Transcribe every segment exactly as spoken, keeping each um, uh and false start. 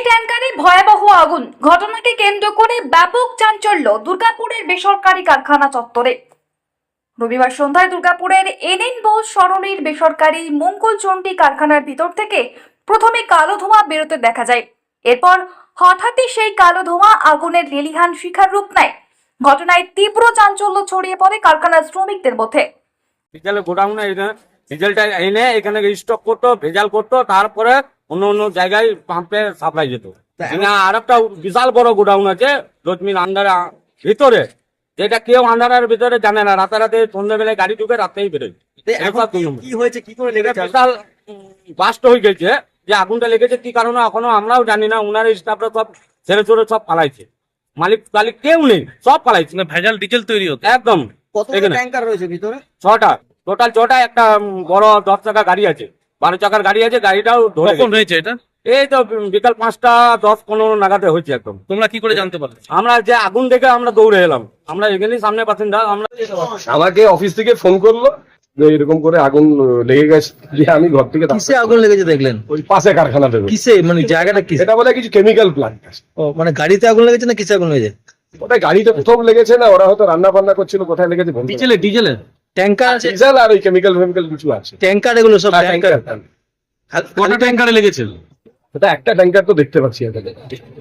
ট্যাঙ্কারে ভয়াবহ আগুন, ঘটনাকে কেন্দ্র করে ব্যাপক চাঞ্চল্য দুর্গাপুরের বেসরকারি কারখানা চত্বরে। রবিবার সন্ধ্যায় দুর্গাপুরের এনএন বোস সরণির বেসরকারি মঙ্গলচণ্ডী কারখানার ভিতর থেকে প্রথমে কালো ধোঁয়া বেরোতে দেখা যায়। এরপর হঠাৎই সেই কালো ধোঁয়া আগুনের লেলিহান শিখার রূপ নেয়। ঘটনায় তীব্র চাঞ্চল্য ছড়িয়ে পড়ে কারখানার শ্রমিকদের মধ্যে। ডিজেলের গোডাউনে ডিজেলটা এনে এখানে স্টক করতো, ভেজাল করতো, তারপরে অন্য অন্য জায়গায় পাম্পে সাপ্লাই যেত। আর একটা বিশাল বড় গোডাউন আছে রশ্মির আন্ডারে ভিতরে, যেটা কেউ আন্ডারের ভিতরে জানে না। রাতারাতি সন্ধ্যাবেলায় গাড়ি ঢুকে রাতেই বেরোয়। কি হয়েছে, কি করে লেগেছে? বিশাল বাস্ট হয়ে গেছে। যে আগুনটা লেগেছে কি কারণে এখনো আমরাও জানি না। উনার স্টাফরা সব ছেড়ে ছেড়ে সব পালাইছে। মালিক মালিক কেউ নেই, সব পালাইছে। ভেজাল ডিজেল তৈরি হতো একদম। কতগুলো ট্যাঙ্কার রয়েছে ভিতরে? ছটা, টোটাল ছটা। একটা বড় দশ চাকা গাড়ি আছে, বারো চাকার গাড়ি আছে। গাড়িটাও ধরে কখন হয়েছে এটা? এই তো বিকাল পাঁচটা দশ পনেরো নাগাদে হয়েছে। একদম। তোমরা কি করে জানতে পারলে? আমরা যে আগুন দেখে আমরা দৌড়ে এলাম। আমরা এখানেই সামনে বাসিন্দা। আমরা আমাকে অফিস থেকে ফোন করলো যে এরকম করে আগুন লেগে গেছে। যে আমি ঘর থেকে কিসে আগুন লেগেছে দেখলেন? ওই পাশে কারখানাতে। কিসে, মানে জায়গাটা কিসে? এটা বলে কিছু কেমিক্যাল প্লান্ট। ও মানে গাড়িতে আগুন লেগেছে না কিসে আগুন লেগেছে? ওটাই গাড়িতে প্রথম লেগেছে না, ওরা হয়তো রান্না বান্না করছিল, কোথায় লেগেছে বলতে পারছি না। ডিজেলে ডিজেলের ট্যাঙ্কার আছে, ডিজেল আর ওই কেমিক্যাল ফেমিক্যাল কিছু আছে। ট্যাঙ্কার এগুলো সব হ্যাঁ, ট্যাঙ্কার। ট্যাঙ্কার। কটা ট্যাঙ্কারে লেগেছিল? ওটা একটা ট্যাঙ্কার তো দেখতে পাচ্ছি এখানে।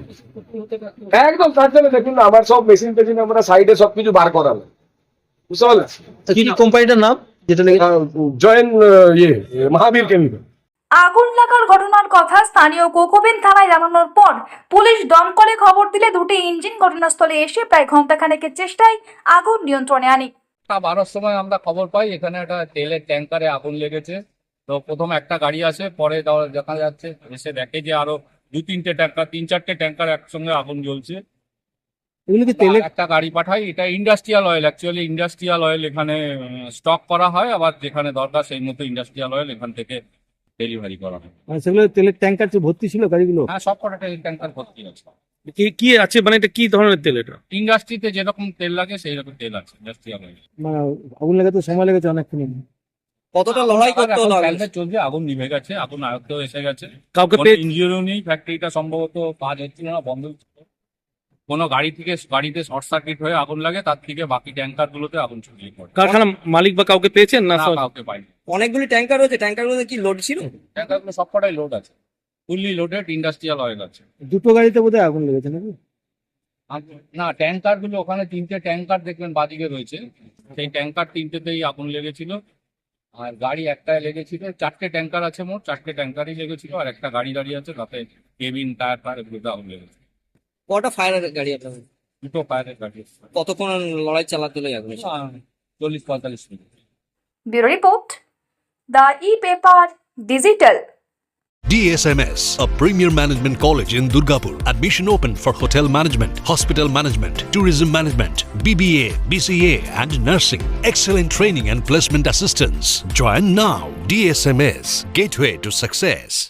একদম তার জন্য দেখুন না, আমার সব মেশিন টেশিন আমরা সাইডে সবকিছু বার করালো, বুঝতে পারলেন? কি কোম্পানিটার নাম যেটা লেগেছে? জয়েন ইয়ে মহাবীর কেমিক্যাল। আগুন লাগার ঘটনার কথা স্থানীয় কোকোবেন থানায় জানানোর পর পুলিশ দমকলে খবর দিলে দুটি ইঞ্জিন ঘটনাস্থলে এসে প্রায় ঘন্টাখানেকের চেষ্টায় আগুন নিয়ন্ত্রণে আনে। বারোর সময় আমরা খবর পাই এখানে একটা তেলের ট্যাঙ্কারে আগুন লেগেছে। তো প্রথম একটা গাড়ি আসে, পরে দেখা যাচ্ছে এসে দেখে যে আরো দু তিনটে ট্যাঙ্কার, তিন চারটে ট্যাঙ্কার একসঙ্গে আগুন জ্বলছে। এগুলো কি তেলের? একটা গাড়ি পাঠাই। এটা industrial oil, actually industrial oil এখানে স্টক করা হয়, আবার যেখানে দরকার সেই মতো ইন্ডাস্ট্রিয়াল অয়েল এখান থেকে ডেলিভারি করা হয়। মানে সেগুলো তেলের ট্যাঙ্কার ভর্তি ছিল গাড়িগুলো? হ্যাঁ, সব কটা তেল ট্যাঙ্কার ভর্তি আছে। কি কি আছে, মানে এটা কি ধরনের তেল? এটা ইন্ডাস্ট্রিতে যেরকম তেল লাগে সেই রকম তেল আছে ইন্ডাস্ট্রিয়াল অয়েল। মানে আগুন লেগে তো সময় লেগেছে অনেকক্ষণ। কতটা লড়াই করতে হলো? চলছে, আগুন নিভে গেছে, আগুন আয়ত্তেও এসে গেছে। কাউকে ইঞ্জিনও নেই, ফ্যাক্টরিটা সম্ভবত কাজ হচ্ছিল না, বন্ধ ছিল। কোনো গাড়ি থেকে গাড়িতে শর্ট সার্কিট হয়ে আগুন লাগে, তার থেকে বাকি ট্যাঙ্কার গুলোতে আগুন ছড়িয়ে পড়ে। কারখানা মালিক বা কাউকে পেয়েছেন না? না, কাউকে পাইনি। অনেকগুলি ট্যাঙ্কার রয়েছে, ট্যাঙ্কার গুলোতে কি লোড ছিল? ট্যাঙ্কার গুলো সবকটাই লোড আছে, ফুললি লোডেড ইন্ডাস্ট্রিয়াল অয়েল আছে। দুটো গাড়িতে বোধহয় আগুন লেগেছে নাকি? আর না, ট্যাঙ্কার গুলো ওখানে তিনটে ট্যাঙ্কার দেখবেন বাদিকে রয়েছে, সেই ট্যাঙ্কার তিনটেতেই আগুন লেগেছিল। আর গাড়ি একটাই লেগেছিল। চারটে ট্যাঙ্কার আছে, মোট চারটে ট্যাঙ্কারই লেগেছিল, আর একটা গাড়ি দাঁড়িয়ে আছে, তাতে কেবিন টায়ার টায়ার এগুলোতে আগুন লেগেছে। কটা ফায়ারের গাড়ি আপনাদের? দুটো ফায়ারের গাড়ি। কতক্ষণ লড়াই চালাতে হলো আগুন? চল্লিশ পঁয়তাল্লিশ minute. Bureau report, the e paper digital. D S M S, a premier management college in Durgapur. Admission open for hotel management, hospital management, tourism management, B B A, B C A and nursing. Excellent training and placement assistance. Join now. D S M S, gateway to success.